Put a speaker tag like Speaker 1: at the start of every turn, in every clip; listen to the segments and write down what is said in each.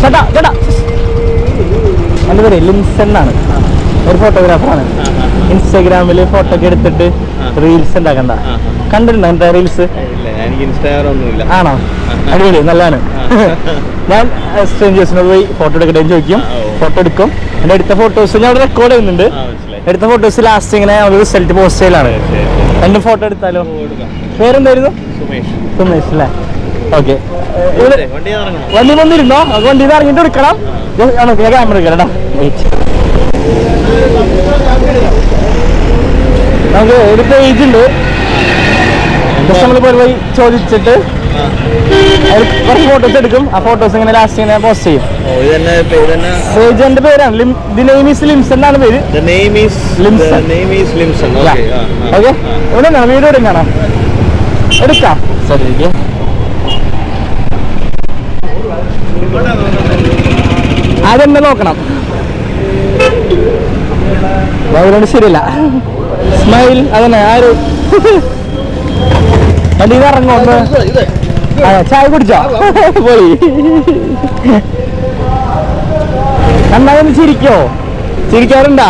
Speaker 1: ചേട്ടാ ചേട്ടാ, എൻ്റെ പേര് ലിൻസൺ എന്നാണ്, ഒരു ഫോട്ടോഗ്രാഫറാണ്. ഇൻസ്റ്റാഗ്രാമിൽ ഫോട്ടോ ഒക്കെ എടുത്തിട്ട് റീൽസ് ഉണ്ടാക്കണ്ട, കണ്ടിട്ടുണ്ടോ എൻ്റെ റീൽസ്? ആണോ? അടിപൊളി, നല്ലതാണ്. ഞാൻ സ്ട്രേഞ്ചേഴ്സിനോട് പോയി ഫോട്ടോ എടുക്കട്ടെ ചോദിക്കും, ഫോട്ടോ എടുക്കും. എൻ്റെ എടുത്ത ഫോട്ടോസ് ഞാൻ അവിടെ റെക്കോർഡ് ചെയ്യുന്നുണ്ട്. എടുത്ത ഫോട്ടോസ് ലാസ്റ്റ് ഇങ്ങനെ റിസൾട്ട് പോസ്റ്റ് ചെയ്യലാണ്. എൻ്റെ ഫോട്ടോ എടുത്താലോ? പേരെന്തായിരുന്നു? സുമേഷ് അല്ലേ? ഓക്കെ. വണ്ടി വന്നിരുന്നോ? വണ്ടിയിൽ നിന്ന് ഇറങ്ങിയിട്ട് എടുക്കണം. ക്യാമറ എടുക്കണം. നമുക്ക് ഒരു പേജ് ഉണ്ട്, നമ്മൾ പോയി ചോദിച്ചിട്ട് കുറച്ച് ഫോട്ടോസ് എടുക്കും. ആ ഫോട്ടോസ് ഇങ്ങനെ ലാസ്റ്റ് ഇങ്ങനെ പോസ്റ്റ് ചെയ്യും. പേജ് എന്റെ പേരാണ്, ദി നെയിം ഈസ് ലിംസൺ എന്നാണ് പേര്. ഓക്കെ, ഇവിടെ നിന്നാണ് വീഡിയോ എടുക്കാണോ? എടുക്കാം. ശരി, അതെന്നെ നോക്കണം. അതുകൊണ്ട് ശരിയല്ല. സ്മൈൽ അതന്നെ. ആര് വണ്ടിയിൽ ഇറങ്ങോ? ചായ കുടിച്ചോ? പോയി നന്നായി ചിരിക്കോ? ചിരിക്കാറുണ്ടാ?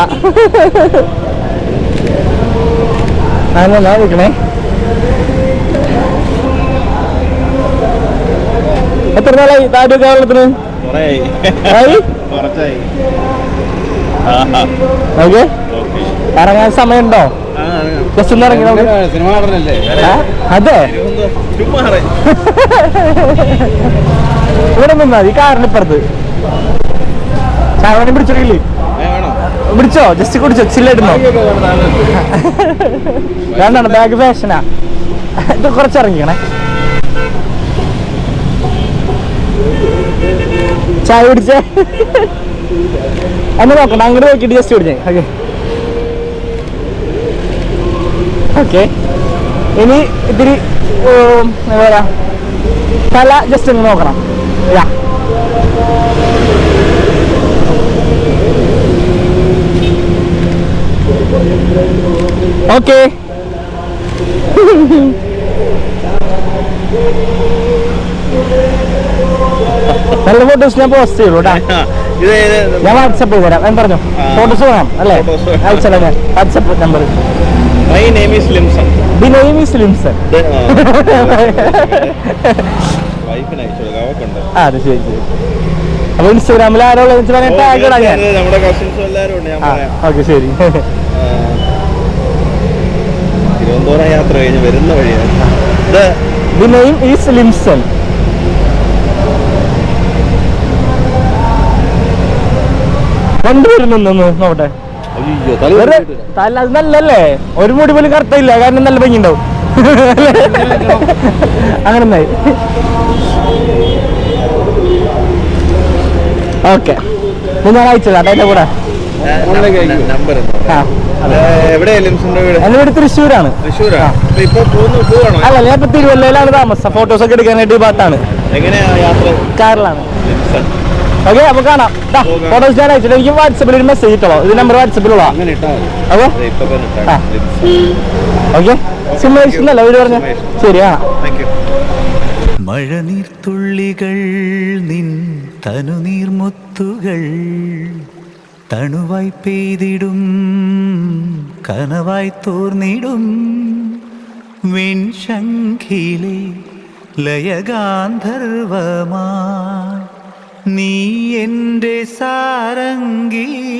Speaker 1: അങ്ങനെ ഇരിക്കണേ. എത്ര നാളായി താഴെ കേരളത്തിന്? ഓക്കെ, ഇറങ്ങാൻ സമയമുണ്ടോ? ജസ്റ്റ് ഒന്ന് ഇറങ്ങി നോക്ക്. അതെ, ഇവിടെ നിന്നാ ഈ കാറിനിപ്പുറത്ത്. ചാവണി പിടിച്ചിട്ടില്ലേ? പിടിച്ചോ? ജസ്റ്റ് കുടിച്ചോ? ചില്ലിടുന്നോ? വേണ്ടാണ്, ബാഗ് ഫാഷനാ. ഇത് കുറച്ചിറങ്ങിക്കണേ. ചായ കുടിച്ചേ? എന്നെ നോക്കണ്ട, അങ്ങോട്ട് നോക്കിയിട്ട് ജസ്റ്റ് കുടിച്ചേ. Okay okay. ഇനി ഇത്തിരി എന്താ പറയാ, തല ജസ്റ്റ് ഒന്ന് നോക്കണം. ഓക്കെ. നല്ല ഫോട്ടോസ് ഞാൻ പോസ്റ്റ് ചെയ്തു കേട്ടാ. ഞാൻ വാട്സപ്പ് ചെയ്ത് തരാം. ഞാൻ പറഞ്ഞു ഫോട്ടോസ് വേണം അല്ലേ? അയച്ചല്ലേ ഞാൻ WhatsApp number.
Speaker 2: My name is Limson.
Speaker 1: The name is Limson. അതെ, ശരി ശരി. അപ്പൊ ഇൻസ്റ്റാഗ്രാമിൽ ആരോ ടാഗ് ഇടാം ഞാൻ. ഓക്കെ, ശരി.
Speaker 2: തിരുവനന്തപുരം യാത്ര കഴിഞ്ഞ് വരുന്ന വഴിയാണ്.
Speaker 1: The name is Limson. രണ്ടുപേരും നിന്ന് നോട്ടെ. തല അത് നല്ലല്ലേ? ഒരു മുടി പോലും കറുത്തില്ല, കാരണം നല്ല ഭംഗി ഉണ്ടാവും. അങ്ങനെ ഒന്നായി. ഓക്കെ, ഞാൻ അയച്ചതാ അതിന്റെ കൂടെ. എന്റെ വീട് തൃശ്ശൂരാണ്. അല്ല, ഞാൻ ഇപ്പൊ തിരുവല്ലയിലാണ് താമസം. ഫോട്ടോസ് ഒക്കെ എടുക്കാനായിട്ട് ഈ ഭാഗത്താണ്. കാറിലാണ്. ഓക്കെ, അപ്പൊ കാണാം. ഫോട്ടോസ് ഞാൻ അയച്ചിട്ട് എനിക്ക് വാട്സപ്പിൽ ഒരു മെസ്സേജ് ഇട്ടോ. ഇത് നമ്പർ വാട്സപ്പിലുള്ള. ഓക്കെ, സുമേഷ് എന്നല്ല വീട് പറഞ്ഞ. ശരി, കാണാം.
Speaker 3: മഴനീർത്തുള്ളികൾ നിൻ തനുനീർമുത്തുകൾ തണുവായി പെയ്തിടും കനവായി തോർന്നിടും വിൺശംഖിലെ ലയഗാന്ധർവമാ നീ എൻ്റെ സാരംഗി